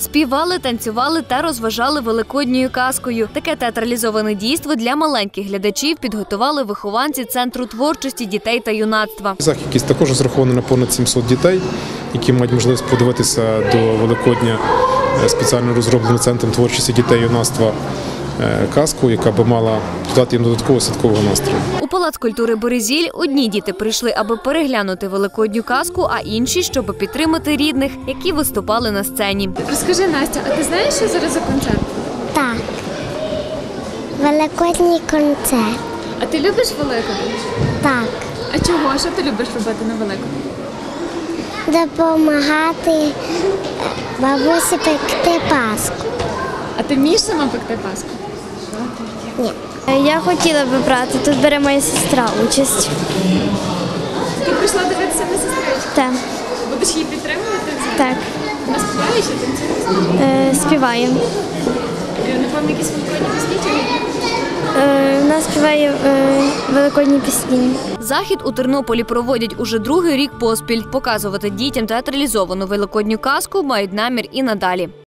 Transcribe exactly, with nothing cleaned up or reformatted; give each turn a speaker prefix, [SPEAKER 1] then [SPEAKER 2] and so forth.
[SPEAKER 1] Співали, танцювали та розважали великодньою казкою. Таке театралізоване дійство для маленьких глядачів підготували вихованці Центру творчості дітей та юнацтва.
[SPEAKER 2] Захід також розрахований на понад сімсот дітей, які мають можливість подивитися до Великодня спеціально розробленим Центром творчості дітей і юнацтва казку, яка би мала додати їм додаткового святкового настрою.
[SPEAKER 1] У Палац культури «Березіль» одні діти прийшли, аби переглянути великодню казку, а інші, щоб підтримати рідних, які виступали на сцені.
[SPEAKER 3] Розкажи, Настя, а ти знаєш, що зараз за концерт?
[SPEAKER 4] Так. Великодній концерт.
[SPEAKER 3] А ти любиш Великодень?
[SPEAKER 4] Так.
[SPEAKER 3] А чого? Що ти любиш робити на Великодень?
[SPEAKER 4] Допомагати бабусі пекти паску.
[SPEAKER 3] А ти вмієш сама пекти паску?
[SPEAKER 4] Ні.
[SPEAKER 5] Я хотіла би брати, тут бере моя сестра участь.
[SPEAKER 3] Ти прийшла дивитися на сестричку?
[SPEAKER 5] Так.
[SPEAKER 3] Будеш її підтримувати?
[SPEAKER 5] Так.
[SPEAKER 3] Вона співає чи танцює?
[SPEAKER 5] Е, співаємо.
[SPEAKER 3] Напевно, якісь великодні пісні чи ні?
[SPEAKER 5] Е, вона співає е, великодні пісні.
[SPEAKER 1] Захід у Тернополі проводять уже другий рік поспіль. Показувати дітям театралізовану великодню казку мають намір і надалі.